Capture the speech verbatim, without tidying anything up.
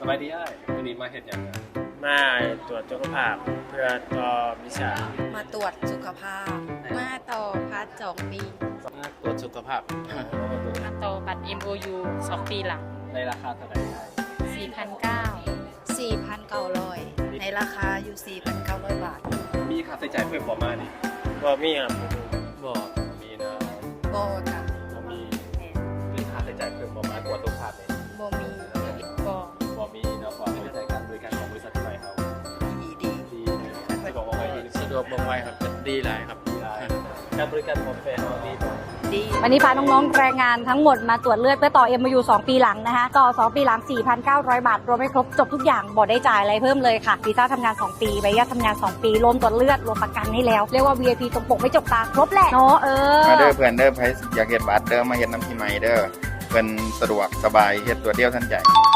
สบายดีอ้ายวันนี้มาเฮ็ดหยังกันมาตรวจสุขภาพเพื่อต่อวิชามาตรวจสุขภาพ มาต่อพาร์ทสองปีมาตรวจสุขภาพมาต่อบัตร เอ็ม โอ ยู สองปีหลังในราคาเท่าไหร่อ้ายสี่พันเก้าร้อยสี่พันเก้าร้อย ในราคาอยู่ สี่พันเก้าร้อย บาทมีค่าใช้จ่ายเพิ่มบ่มานี่บ่มีครับบ่มีนะโบจ้ะบ่มีมีค่าใช้จ่ายเพิ่มบ่มาตรวจสุขภาพนี่โบมีก็บ่มีเนาะความบริการบริการของบริษัทที่ไหนเฮาดีดีดีสะดวกบ่ไว้ดีสะดวกบ่ไหวครับดีหลายครับดีหลายการบริการของแฟนเฮาดีบ่ดีวันนี้พาน้องๆแรงงานทั้งหมดมาตรวจเลือดเพื่อต่อ เอ็ม โอ ยู สองปีหลังนะคะต่อสองปีหลัง สี่พันเก้าร้อย บาท รวมให้ครบจบทุกอย่างบ่ได้จ่ายอะไรเพิ่มเลยค่ะวีซ่าทำงาน สอง ปีใบอนุญาตทำงาน สอง ปีรวมตรวจเลือดรวมประกันให้แล้ว เรียกว่า วี ไอ พี ตรงปกไม่จกตาครบแหละเนาะเออมาเด้อเพื่อนเด้อไผอยากเฮ็ดบัตรเด้อมาเฮ็ดน้ำที่ใหม่เด้อเพิ่นสะดวกสบายเฮ็ดตัวเดียวทันใจ